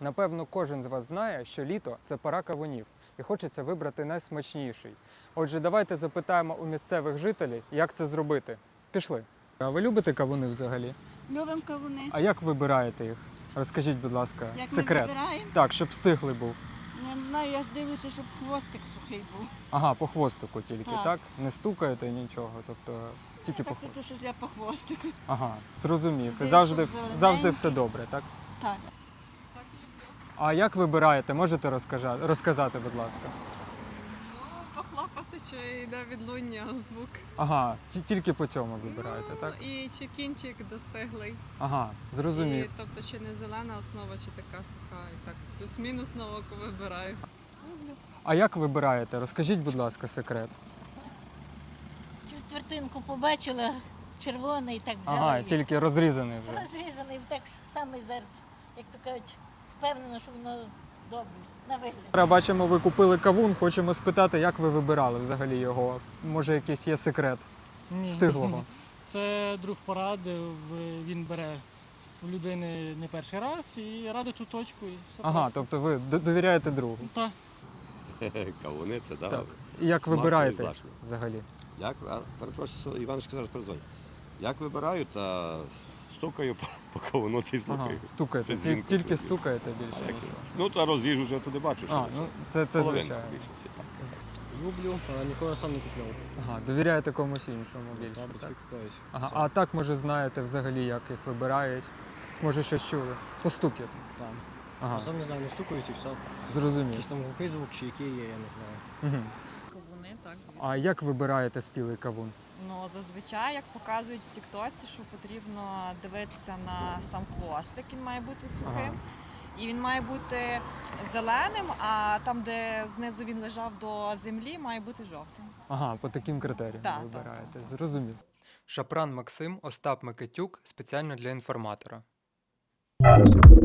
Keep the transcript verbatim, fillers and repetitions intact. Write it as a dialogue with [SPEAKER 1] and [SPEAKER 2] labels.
[SPEAKER 1] Напевно, кожен з вас знає, що літо – це пора кавунів, і хочеться вибрати найсмачніший. Отже, давайте запитаємо у місцевих жителів, як це зробити. Пішли. А ви любите кавуни взагалі?
[SPEAKER 2] Любимо кавуни.
[SPEAKER 1] А як вибираєте їх? Розкажіть, будь ласка,
[SPEAKER 2] Як
[SPEAKER 1] секрет.
[SPEAKER 2] ми вибираємо?
[SPEAKER 1] Так, щоб стиглий був.
[SPEAKER 2] Я не знаю, я ж дивлюся, щоб хвостик сухий був.
[SPEAKER 1] Ага, по хвостику тільки, так?
[SPEAKER 2] Так.
[SPEAKER 1] Не стукаєте нічого, тобто тільки по
[SPEAKER 2] Так,
[SPEAKER 1] хвостику.
[SPEAKER 2] то щось я по хвостику.
[SPEAKER 1] Ага, зрозумів. І
[SPEAKER 2] Дивлюсь,
[SPEAKER 1] завжди,
[SPEAKER 2] щоб
[SPEAKER 1] завжди
[SPEAKER 2] зелененький.
[SPEAKER 1] все добре, так?
[SPEAKER 2] Так.
[SPEAKER 1] А як вибираєте? Можете розкажа- розказати, будь ласка?
[SPEAKER 3] Похлопати, чи йде відлуння, звук.
[SPEAKER 1] Ага, ті- тільки по цьому вибираєте, так?
[SPEAKER 3] Ну, і чи кінчик достиглий.
[SPEAKER 1] Ага, зрозумів.
[SPEAKER 3] І, тобто, чи не зелена основа, чи така суха. І так, плюс-мінус на око вибираю.
[SPEAKER 1] А як вибираєте? Розкажіть, будь ласка, секрет.
[SPEAKER 4] Четвертинку побачила, червоний, так взяла.
[SPEAKER 1] Ага,
[SPEAKER 4] і
[SPEAKER 1] тільки розрізаний вже.
[SPEAKER 4] розрізаний, так само зараз, як то кажуть, впевнено, що воно добре, на вигляд.
[SPEAKER 1] Зараз бачимо, ви купили кавун, хочемо спитати, як ви вибирали взагалі його? Може, якийсь є секрет
[SPEAKER 5] Ні.
[SPEAKER 1] стиглого?
[SPEAKER 5] Це друг порадив, він бере в людини не перший раз і радить ту точку і все
[SPEAKER 1] Ага,
[SPEAKER 5] просто.
[SPEAKER 1] тобто ви д- довіряєте другу.
[SPEAKER 5] Та,
[SPEAKER 6] Кавуни це, да.
[SPEAKER 1] Так. І як
[SPEAKER 6] Смачно і
[SPEAKER 1] вибираєте
[SPEAKER 6] злачно.
[SPEAKER 1] взагалі?
[SPEAKER 6] Як, а, перепрошую, Іваночка зараз перезвонить. Як вибираю, та стукаю по, по кавуну та й
[SPEAKER 1] Ага,
[SPEAKER 6] слухаю.
[SPEAKER 1] стукаєте,
[SPEAKER 6] Це
[SPEAKER 1] ті-
[SPEAKER 6] дзвінко
[SPEAKER 1] тільки
[SPEAKER 6] чую.
[SPEAKER 1] стукаєте
[SPEAKER 6] А
[SPEAKER 1] більше.
[SPEAKER 6] як-
[SPEAKER 1] нічого.
[SPEAKER 6] Ну, та роз'їжджу вже туди бачу, що
[SPEAKER 1] А, ну це, це
[SPEAKER 6] половинку
[SPEAKER 1] звичайно.
[SPEAKER 6] більше всі, так.
[SPEAKER 7] Люблю, але ніколи сам не купляв.
[SPEAKER 1] Ага, довіряєте комусь іншому більше.
[SPEAKER 7] Та,
[SPEAKER 1] Так?
[SPEAKER 7] батьки купляють.
[SPEAKER 1] Ага, а так, може, знаєте взагалі, як їх вибирають? Може, щось чули? Постукіт.
[SPEAKER 7] Там.
[SPEAKER 1] Ага,
[SPEAKER 7] Я сам не знаю, не стукають і все.
[SPEAKER 1] зрозумів.
[SPEAKER 7] Якийсь там глухий звук чи який є, я не знаю.
[SPEAKER 1] Угу.
[SPEAKER 8] Кавуни, так, звісно.
[SPEAKER 1] А як вибираєте спілий кавун?
[SPEAKER 8] Ну, зазвичай, як показують в Тіктоці, що потрібно дивитися на сам хвостик, він має бути сухим.
[SPEAKER 1] Ага.
[SPEAKER 8] І він має бути зеленим, а там, де знизу він лежав до землі, має бути жовтим.
[SPEAKER 1] Ага, по таким критеріям
[SPEAKER 8] Так,
[SPEAKER 1] вибираєте.
[SPEAKER 8] так,
[SPEAKER 1] Зрозумів. Шапран Максим, Остап Микитюк спеціально для інформатора.